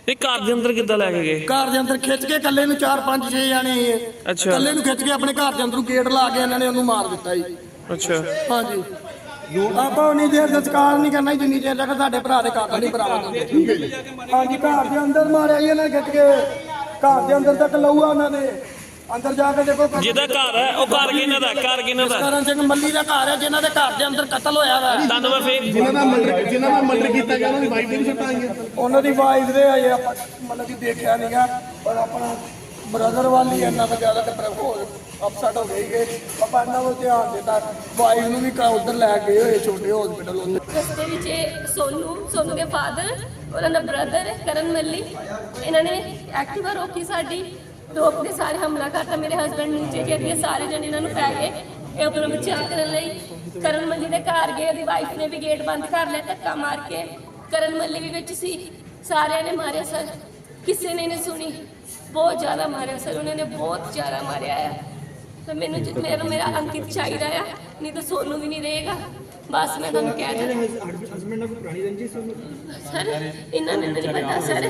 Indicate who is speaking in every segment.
Speaker 1: ਇਹ ਘਰ ਦੇ ਅੰਦਰ ਕਿੱਦਾਂ ਲੈ ਕੇ ਗਏ?
Speaker 2: ਘਰ ਦੇ ਅੰਦਰ ਖਿੱਚ ਕੇ ਇਕੱਲੇ ਨੂੰ 4-5-6 ਜਾਣੇ
Speaker 1: ਅੱਛਾ।
Speaker 2: ਇਕੱਲੇ ਨੂੰ ਖਿੱਚ ਕੇ ਆਪਣੇ ਘਰ ਦੇ ਅੰਦਰੋਂ ਗੇਟ ਲਾ ਕੇ ਇਹਨਾਂ ਨੇ ਉਹਨੂੰ ਮਾਰ ਦਿੱਤਾ ਜੀ।
Speaker 1: ਅੱਛਾ।
Speaker 2: ਹਾਂਜੀ ਆਪਾਂ ਉਨੀ ਦੇਰ ਸੰਸਕਾਰ ਨਹੀਂ ਕਰਨਾ ਜਿੰਨੀ ਦੇਰ ਤੱਕ ਸਾਡੇ ਭਰਾ ਦੇ ਕਾਤਲ ਨਹੀਂ ਬਰਾਮਦ ਹੁੰਦੇ। ਹਾਂਜੀ ਘਰ ਦੇ ਅੰਦਰ ਮਾਰਿਆ ਜੀ ਇਹਨਾਂ ਨੇ ਖਿੱਚ ਕੇ, ਘਰ ਦੇ ਅੰਦਰ ਤੱਕ ਲਊਆ ਉਹਨਾਂ ਦੇ ਅੰਦਰ ਜਾ ਕੇ ਦੇਖੋ।
Speaker 1: ਜਿਹਦਾ ਘਰ ਹੈ ਉਹ ਘਰ ਕਿਹਨਾਂ ਦਾ? ਘਰ ਕਿਹਨਾਂ ਦਾ?
Speaker 2: ਕਰਨ ਸਿੰਘ ਮੱਲੀ ਦਾ ਘਰ ਹੈ ਜਿਨ੍ਹਾਂ ਦੇ ਘਰ ਦੇ ਅੰਦਰ ਕਤਲ ਹੋਇਆ ਵਾ।
Speaker 1: ਤੁਹਾਨੂੰ ਮੈਂ ਫੇਰ
Speaker 3: ਜਿਨ੍ਹਾਂ ਦਾ ਮਰਡਰ ਕੀਤਾ ਗਿਆ ਉਹਨਾਂ ਦੀ ਵਾਈਫ ਦੀ ਸੱਟਾਂ ਆਈਆਂ।
Speaker 2: ਉਹਨਾਂ ਦੀ ਵਾਈਫ ਦੇ ਅਜੇ ਆਪਾਂ ਮਤਲਬ ਕਿ ਦੇਖਿਆ ਨਹੀਂਗਾ, ਪਰ ਆਪਣਾ ਬ੍ਰਦਰ ਵਾਲੀ ਇੰਨਾ ਤਾਂ ਜ਼ਿਆਦਾ ਤੇ ਹੋਰ ਅਪਸੈਟ ਹੋ ਗਈ ਕਿ ਆਪਾਂ ਇਹਨਾਂ ਵੱਲ ਧਿਆਨ ਦਿੱਤਾ। ਵਾਈਫ ਨੂੰ ਵੀ ਉਧਰ ਲੈ ਗਏ ਹੋਏ ਛੋਟੇ ਹਸਪੀਟਲ ਉੱਧਰ।
Speaker 4: ਰਸਤੇ ਵਿੱਚ ਸੋਨੂ ਦੇ ਫਾਦਰ, ਉਹਨਾਂ ਦਾ ਬ੍ਰਦਰ ਕਰਨ ਮੱਲੀ, ਇਹਨਾਂ ਨੇ ਐਕਟਿਵਾ ਰੋਕੀ ਸਾਡੀ, ਰੋਕ ਕੇ ਸਾਰੇ ਹਮਲਾ ਕਰਤਾ। ਮੇਰੇ ਹਸਬੰਡ ਨੀਚੇ ਗਿਰ ਗਏ, ਸਾਰੇ ਜਣੇ ਇਹਨਾਂ ਨੂੰ ਪੈ ਗਏ। ਇਹ ਆਪਣਾ ਬਚਾਅ ਕਰਨ ਲਈ ਕਰਨ ਮੱਲੀ ਦੇ ਘਰ ਗਏ, ਉਹਦੀ ਵਾਈਫ ਨੇ ਵੀ ਗੇਟ ਬੰਦ ਕਰ ਲਿਆ ਧੱਕਾ ਮਾਰ ਕੇ। ਕਰਨ ਮੱਲੀ ਵੀ ਵਿੱਚ ਸੀ, ਸਾਰਿਆਂ ਨੇ ਮਾਰਿਆ ਸਰ, ਕਿਸੇ ਨੇ ਨਹੀਂ ਸੁਣੀ, ਬਹੁਤ ਜ਼ਿਆਦਾ ਮਾਰਿਆ ਸਰ, ਉਹਨਾਂ ਨੇ ਬਹੁਤ ਜ਼ਿਆਦਾ ਮਾਰਿਆ ਆ। ਤਾਂ ਮੈਨੂੰ ਮੇਰਾ ਅੰਕਿਤ ਚਾਹੀਦਾ ਆ, ਨਹੀਂ ਤਾਂ ਸੋਨੂੰ ਵੀ ਨਹੀਂ ਰਹੇਗਾ। ਬਸ ਮੈਂ ਤੁਹਾਨੂੰ ਕਹਿ ਦਿੰਦਾ ਸਰ, ਇਹਨਾਂ ਨੇ ਨਹੀਂ ਪਤਾ ਸਰ।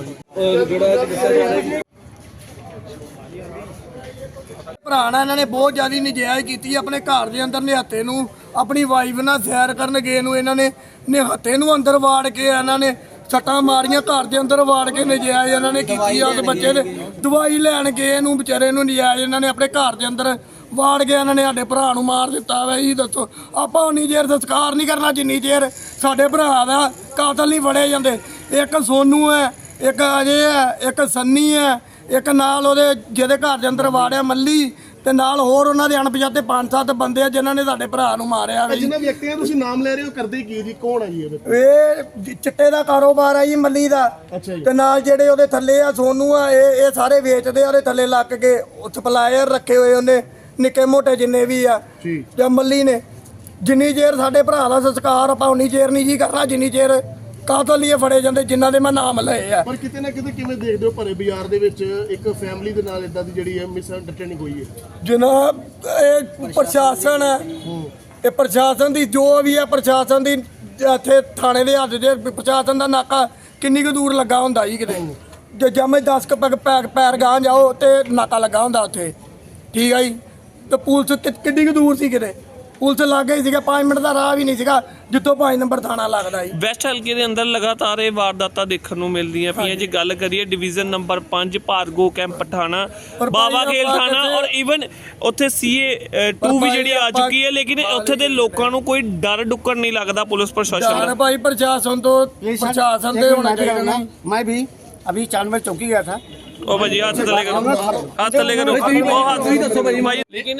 Speaker 2: ਭਰਾ ਨਾਲ ਇਹਨਾਂ ਨੇ ਬਹੁਤ ਜ਼ਿਆਦਾ ਨਜਾਇਜ਼ ਕੀਤੀ। ਆਪਣੇ ਘਰ ਦੇ ਅੰਦਰ ਨਿਹੱਤੇ ਨੂੰ ਆਪਣੀ ਵਾਈਫ ਨਾਲ ਸੈਰ ਕਰਨ ਗਏ ਨੂੰ ਇਹਨਾਂ ਨੇ ਨਿਹੱਤੇ ਨੂੰ ਅੰਦਰ ਵਾੜ ਕੇ ਇਹਨਾਂ ਨੇ ਸੱਟਾਂ ਮਾਰੀਆਂ। ਘਰ ਦੇ ਅੰਦਰ ਵਾੜ ਕੇ ਨਜਾਇਜ਼ ਇਹਨਾਂ ਨੇ ਕੀਤੀ। ਉਸ ਬੱਚੇ ਦੇ ਦਵਾਈ ਲੈਣ ਗਏ ਨੂੰ ਵਿਚਾਰੇ ਨੂੰ ਨਜਾਇਜ਼ ਇਹਨਾਂ ਨੇ ਆਪਣੇ ਘਰ ਦੇ ਅੰਦਰ ਵਾੜ ਕੇ ਇਹਨਾਂ ਨੇ ਸਾਡੇ ਭਰਾ ਨੂੰ ਮਾਰ ਦਿੱਤਾ ਵਾ। ਇਹ ਦੱਸੋ ਆਪਾਂ ਉਨੀ ਦੇਰ ਸੰਸਕਾਰ ਨਹੀਂ ਕਰਨਾ ਜਿੰਨੀ ਦੇਰ ਸਾਡੇ ਭਰਾ ਦਾ ਕਾਤਲ ਨਹੀਂ ਫੜੇ ਜਾਂਦੇ। ਇੱਕ ਸੋਨੂ ਹੈ, ਇੱਕ ਅਜੇ ਹੈ, ਇੱਕ ਸੰਨੀ ਹੈ, ਇੱਕ ਨਾਲ ਉਹਦੇ ਜਿਹਦੇ ਘਰ ਦੇ ਅੰਦਰ ਵਾੜਿਆ ਮੱਲੀ, ਤੇ ਨਾਲ ਹੋਰ ਉਹਨਾਂ ਦੇ ਅਣਪਛਾਤੇ 5-7 ਬੰਦੇ ਆ ਜਿਨ੍ਹਾਂ ਨੇ ਸਾਡੇ ਭਰਾ ਨੂੰ ਮਾਰਿਆ।
Speaker 3: ਜਿਨ੍ਹਾਂ ਵਿਅਕਤੀਆਂ ਤੁਸੀਂ ਨਾਮ ਲੈ ਰਹੇ ਹੋ ਕਰਦੇ ਕੀ ਜੀ? ਕੌਣ ਹੈ ਜੀ
Speaker 2: ਇਹ ਚਿੱਟੇ ਦਾ ਕਾਰੋਬਾਰ ਆ ਜੀ ਮੱਲੀ ਦਾ।
Speaker 3: ਅੱਛਾ ਜੀ।
Speaker 2: ਤੇ ਨਾਲ ਜਿਹੜੇ ਉਹਦੇ ਥੱਲੇ ਆ ਸੋਨੂ ਆ, ਇਹ ਸਾਰੇ ਵੇਚਦੇ ਆ। ਉਹਦੇ ਥੱਲੇ ਲੱਗ ਕੇ ਸਪਲਾਇਰ ਰੱਖੇ ਹੋਏ ਉਹਨੇ ਨਿੱਕੇ ਮੋਟੇ ਜਿੰਨੇ ਵੀ ਆ
Speaker 3: ਜੀ।
Speaker 2: ਤੇ ਮੱਲੀ ਨੇ ਜਿੰਨੀ ਚਿਰ ਸਾਡੇ ਭਰਾ ਦਾ ਸੰਸਕਾਰ ਆਪਾਂ ਉਨੀ ਚਿਰ ਨਹੀਂ ਜੀ ਕਰਨਾ ਜਿੰਨੀ ਚਿਰ ਕਾਤਲ ਲਈ ਫੜੇ ਜਾਂਦੇ ਜਿਨ੍ਹਾਂ ਦੇ ਮੈਂ ਨਾਮ ਲਏ ਆ।
Speaker 3: ਪਰ ਕਿਤੇ ਨਾ ਕਿਤੇ ਕਿਵੇਂ ਦੇਖਦੇ ਹੋ ਭਰੇ ਬਾਜ਼ਾਰ ਦੇ ਵਿੱਚ ਇੱਕ ਫੈਮਿਲੀ ਦੇ ਨਾਲ ਇਦਾਂ ਦੀ ਜਿਹੜੀ ਹੈ ਮਿਸਅੰਡਰਸਟੈਂਡਿੰਗ ਹੋਈ ਹੈ?
Speaker 2: ਜਨਾਬ ਇਹ ਪ੍ਰਸ਼ਾਸਨ ਹੈ, ਇਹ ਪ੍ਰਸ਼ਾਸਨ ਦੀ ਜੋ ਵੀ ਹੈ, ਪ੍ਰਸ਼ਾਸਨ ਦੀ ਇੱਥੇ ਥਾਣੇ ਦੇ ਹੱਥ ਦੇ ਪ੍ਰਸ਼ਾਸਨ ਦਾ ਨਾਕਾ ਕਿੰਨੀ ਕੁ ਦੂਰ ਲੱਗਾ ਹੁੰਦਾ ਜੀ? ਕਿਤੇ ਜੇ ਜਮੇ 10 ਪੈਰ ਗਾਂ ਜਾਓ ਤੇ ਨਾਕਾ ਲੱਗਾ ਹੁੰਦਾ ਉੱਥੇ, ਠੀਕ ਹੈ ਜੀ। ਤੇ ਪੁਲਿਸ ਕਿੰਨੀ ਕੁ ਦੂਰ ਸੀ? ਕਿਤੇ ਪੁਲਿਸ ਲੱਗ ਗਈ ਸੀਗਾ, 5 ਮਿੰਟ ਦਾ ਰਾਹ ਵੀ ਨਹੀਂ ਸੀਗਾ ਜਿੱਥੋਂ 5 ਨੰਬਰ ਥਾਣਾ ਲੱਗਦਾ ਜੀ।
Speaker 1: ਵੈਸਟ ਹਲਕੇ ਦੇ ਅੰਦਰ ਲਗਾਤਾਰ ਇਹ ਵਾਰਦਾਤਾਂ ਦੇਖਣ ਨੂੰ ਮਿਲਦੀਆਂ ਪਈਆਂ। ਜੇ ਗੱਲ ਕਰੀਏ ਡਿਵੀਜ਼ਨ ਨੰਬਰ 5 ਭਾਰਗੋ ਕੈਂਪ ਥਾਣਾ, ਬਾਬਾ ਖੇਲ ਥਾਣਾ ਔਰ ਈਵਨ ਉੱਥੇ CA 2 ਵੀ ਜਿਹੜੀ ਆ ਚੁੱਕੀ ਹੈ, ਲੇਕਿਨ ਉੱਥੇ ਦੇ ਲੋਕਾਂ ਨੂੰ ਕੋਈ ਡਰ ਡੁੱਕਰ ਨਹੀਂ ਲੱਗਦਾ ਪੁਲਿਸ ਪ੍ਰਸ਼ਾਸਨ ਦਾ।
Speaker 2: ਭਾਈ ਪ੍ਰਸ਼ਾਸਨ ਤੋਂ ਪ੍ਰਸ਼ਾਸਨ ਦੇ ਹੋਣਾ ਚਾਹੀਦਾ।
Speaker 5: मैं भी अभी 4 बजे चौकी गया था।
Speaker 1: ਉਹ ਭਾਜੀ ਹੱਥ ਥੱਲੇ ਕਰੋ, ਹੱਥ ਥੱਲੇ ਕਰੋ, ਉਹ ਹੱਥ ਵੀ ਦੱਸੋ ਭਾਜੀ। ਲੇਕਿਨ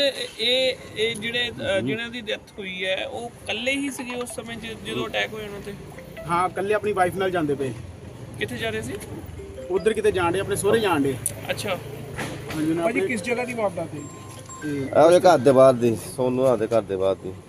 Speaker 1: ਇਹ ਜਿਹੜੇ ਜਿਹਨਾਂ ਦੀ ਡੈਥ ਹੋਈ ਹੈ ਉਹ ਇਕੱਲੇ ਹੀ ਸੀਗੇ ਉਸ ਸਮੇਂ ਜਦੋਂ ਅਟੈਕ ਹੋਇਆ ਉਹਨਾਂ ਤੇ?
Speaker 5: हाँ कल अपनी वाइफ नाल जांदे पे।
Speaker 1: ਕਿੱਥੇ ਜਾ ਰਹੇ ਸੀ?
Speaker 5: उधर किते जान दे अपने सोहरे जान दे।
Speaker 1: ਅੱਛਾ
Speaker 5: भाजी
Speaker 2: किस जगह की वारदात है?
Speaker 6: ਉਹਦੇ ਘਰ ਦੇ ਬਾਹਰ ਦੀ, ਸੋਨੂ ਦੇ ਘਰ ਦੇ ਬਾਹਰ ਦੀ।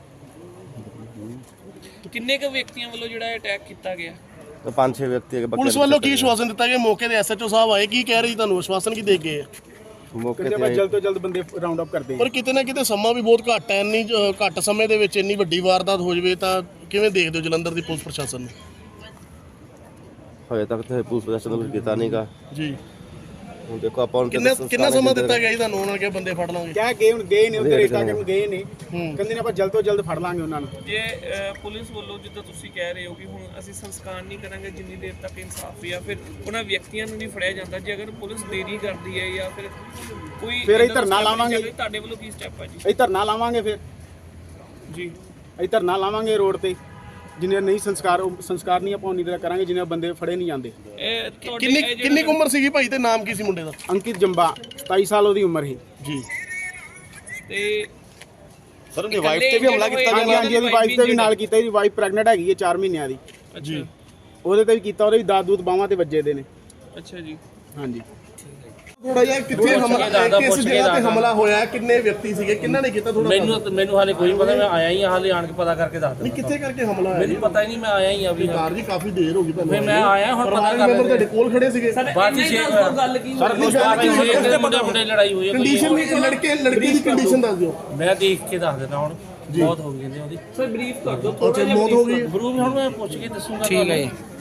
Speaker 1: ਕਿੰਨੇ ਕੁ ਵਿਅਕਤੀਆਂ ਵੱਲੋਂ ਜਿਹੜਾ ਅਟੈਕ ਕੀਤਾ ਗਿਆ?
Speaker 6: 5-6 ਵਿਅਕਤੀ ਹੈਗੇ।
Speaker 3: ਪੁਲਿਸ ਵੱਲੋਂ ਕੀ ਆਸ਼ਵਾਸਨ ਦਿੱਤਾ ਗਿਆ? ਮੌਕੇ ਦੇ SHO ਸਾਹਿਬ ਆਏ, ਕੀ ਕਹਿ ਰਹੇ ਜੀ? ਤੁਹਾਨੂੰ ਆਸ਼ਵਾਸਨ ਕੀ ਦੇ ਗਏ?
Speaker 6: ਮੌਕੇ
Speaker 5: कहते
Speaker 6: ਤੇ
Speaker 5: जल्द तो जल्द बंदे राउंड अप कर देंगे।
Speaker 3: ਪਰ ਕਿਤੇ ਨਾ ਕਿਤੇ ਸਮਾਂ ਵੀ ਬਹੁਤ ਘੱਟ ਹੈ। ਇੰਨੀ ਘੱਟ ਸਮੇਂ ਦੇ ਵਿੱਚ ਇੰਨੀ ਵੱਡੀ ਵਾਰਦਾਤ ਹੋ ਜਾਵੇ ਤਾਂ ਕਿਵੇਂ ਦੇਖਦੇ ਹੋ ਜਲੰਧਰ ਦੀ ਪੁਲਿਸ ਪ੍ਰਸ਼ਾਸਨ ਨੂੰ?
Speaker 6: ਹੋਏ ਤੱਕ ਤੇ ਪੁਲਿਸ ਪ੍ਰਸ਼ਾਸਨ ਨੇ ਕੀਤਾ ਨਹੀਂਗਾ
Speaker 3: ਜੀ।
Speaker 6: ਹੁਣ ਦੇਖੋ ਆਪਾਂ ਹੁਣ
Speaker 3: ਕਿੰਨਾ ਸਮਾਂ ਦਿੱਤਾ ਗਿਆ ਜੀ ਤੁਹਾਨੂੰ? ਉਹਨਾਂ ਨੇ ਕਿਹਾ ਬੰਦੇ ਫੜ ਲਾਂਗੇ।
Speaker 5: क्या गए गए नहीं उधर रिश्ता करन गए नहीं, कहंदे ने ਆਪਾਂ जल्द तो जल्द ਫੜ ਲਾਂਗੇ ਉਹਨਾਂ ਨੂੰ।
Speaker 1: ਜੇ ਪੁਲਿਸ ਵੱਲੋਂ ਜਿੱਦਾਂ ਤੁਸੀਂ ਕਹਿ ਰਹੇ ਹੋ ਕਿ ਹੁਣ ਅਸੀਂ ਸੰਸਕਾਰ ਨਹੀਂ ਕਰਾਂਗੇ ਜਿੰਨੀ ਦੇਰ ਤੱਕ ਇਨਸਾਫ ਜਾਂ ਫਿਰ ਉਹਨਾਂ ਵਿਅਕਤੀਆਂ ਨੂੰ ਨਹੀਂ ਫੜਿਆ ਜਾਂਦਾ, ਜੇ ਅਗਰ ਪੁਲਿਸ ਦੇਰੀ ਕਰਦੀ ਹੈ ਜਾਂ ਫਿਰ ਕੋਈ
Speaker 5: ਫਿਰ ਅਸੀਂ ਧਰਨਾ ਲਾਵਾਂਗੇ।
Speaker 1: ਤੁਹਾਡੇ ਵੱਲੋਂ ਕੀ ਸਟੈਪ ਹੈ ਜੀ?
Speaker 5: ਅਸੀਂ ਧਰਨਾ ਲਾਵਾਂਗੇ, ਫਿਰ
Speaker 1: ਜੀ
Speaker 5: ਅਸੀਂ ਧਰਨਾ ਲਾਵਾਂਗੇ ਰੋਡ ਤੇ। ਜਿੰਨੇ ਨਹੀਂ ਸੰਸਕਾਰ ਨਹੀਂ ਆਪਾਂ ਉਨੀ ਦੇਰ ਕਰਾਂਗੇ ਜਿੰਨੇ ਬੰਦੇ ਫੜੇ ਨਹੀਂ ਜਾਂਦੇ।
Speaker 1: ਇਹ
Speaker 3: ਕਿੰਨੀ ਕੁ ਉਮਰ ਸੀਗੀ ਭਾਈ ਤੇ ਨਾਮ ਕੀ ਸੀ ਮੁੰਡੇ ਦਾ?
Speaker 5: ਅੰਕਿਤ ਜੰਬਾ 27 ਸਾਲ ਉਹਦੀ ਉਮਰ ਸੀ
Speaker 3: ਜੀ।
Speaker 1: ਤੇ
Speaker 6: ਸਰ ਉਹਦੀ ਵਾਈਫ ਤੇ ਵੀ ਹਮਲਾ ਕੀਤਾ
Speaker 5: ਹਾਂਜੀ ਹਾਂਜੀ ਉਹਦੀ ਵਾਈਫ ਤੇ ਵੀ ਨਾਲ ਕੀਤਾ। ਇਹਦੀ ਵਾਈਫ ਪ੍ਰੈਗਨੈਂਟ ਹੈਗੀ ਹੈ 4 ਮਹੀਨਿਆਂ ਦੀ
Speaker 3: ਜੀ।
Speaker 5: ਉਹਦੇ ਤੇ ਵੀ ਕੀਤਾ। ਉਹਦੇ ਵੀ ਦਾਦ ਦੂਦ ਬਾਹਾਂ ਤੇ ਵੱਜੇ ਦੇ ਨੇ।
Speaker 1: ਅੱਛਾ ਜੀ।
Speaker 5: ਹਾਂਜੀ
Speaker 3: ਥੋੜਾ ਜਿਹਾ ਕਿੱਥੇ ਹਮਲਾ, ਕਿਸ ਜਗ੍ਹਾ ਤੇ ਹਮਲਾ ਹੋਇਆ, ਕਿੰਨੇ ਵਿਅਕਤੀ ਸੀਗੇ, ਕਿੰਨਾਂ ਨੇ ਕੀਤਾ? ਥੋੜਾ
Speaker 7: ਮੈਨੂੰ ਹਾਲੇ ਕੋਈ ਪਤਾ, ਮੈਂ ਆਇਆ ਹੀ ਹਾਲੇ ਆਣ ਕੇ ਪਤਾ ਕਰਕੇ ਦੱਸ
Speaker 3: ਨਹੀਂ ਕਿੱਥੇ ਕਰਕੇ ਹਮਲਾ ਹੋਇਆ?
Speaker 7: ਮੈਨੂੰ ਪਤਾ ਹੀ ਨਹੀਂ, ਮੈਂ ਆਇਆ ਹੀ ਅਭੀ।
Speaker 3: ਸਰਦਾਰ ਜੀ ਕਾਫੀ ਦੇਰ ਹੋ ਗਈ ਤੁਹਾਨੂੰ।
Speaker 7: ਫਿਰ ਮੈਂ ਆਇਆ ਹੁਣ ਪਤਾ ਕਰ
Speaker 3: ਮੈਂਬਰ ਤੁਹਾਡੇ ਕੋਲ ਖੜੇ ਸੀਗੇ।
Speaker 7: ਬਾਕੀ ਗੱਲ ਕੀ ਸਰ ਮੁੰਡੇ ਲੜਾਈ ਹੋਈ ਹੈ।
Speaker 3: ਕੰਡੀਸ਼ਨ ਵੀ ਲੜਕੀ ਦੀ ਕੰਡੀਸ਼ਨ ਦੱਸ ਦਿਓ।
Speaker 7: ਮੈਂ ਦੇਖ ਕੇ ਦੱਸ ਦਿੰਦਾ ਹੁਣ। ਬਹੁਤ ਹੋ ਗਈ ਨੇ ਉਹਦੀ।
Speaker 1: ਸਰ ਬਰੀਫ ਕਰ ਦਿਓ
Speaker 3: ਅੱਛਾ ਮੌਤ ਹੋ ਗਈ।
Speaker 7: ਬਰੂ ਹੁਣ ਮੈਂ ਪੁੱਛ ਕੇ ਦੱਸੂਗਾ।
Speaker 8: ਠੀਕ ਹੈ ਜੀ।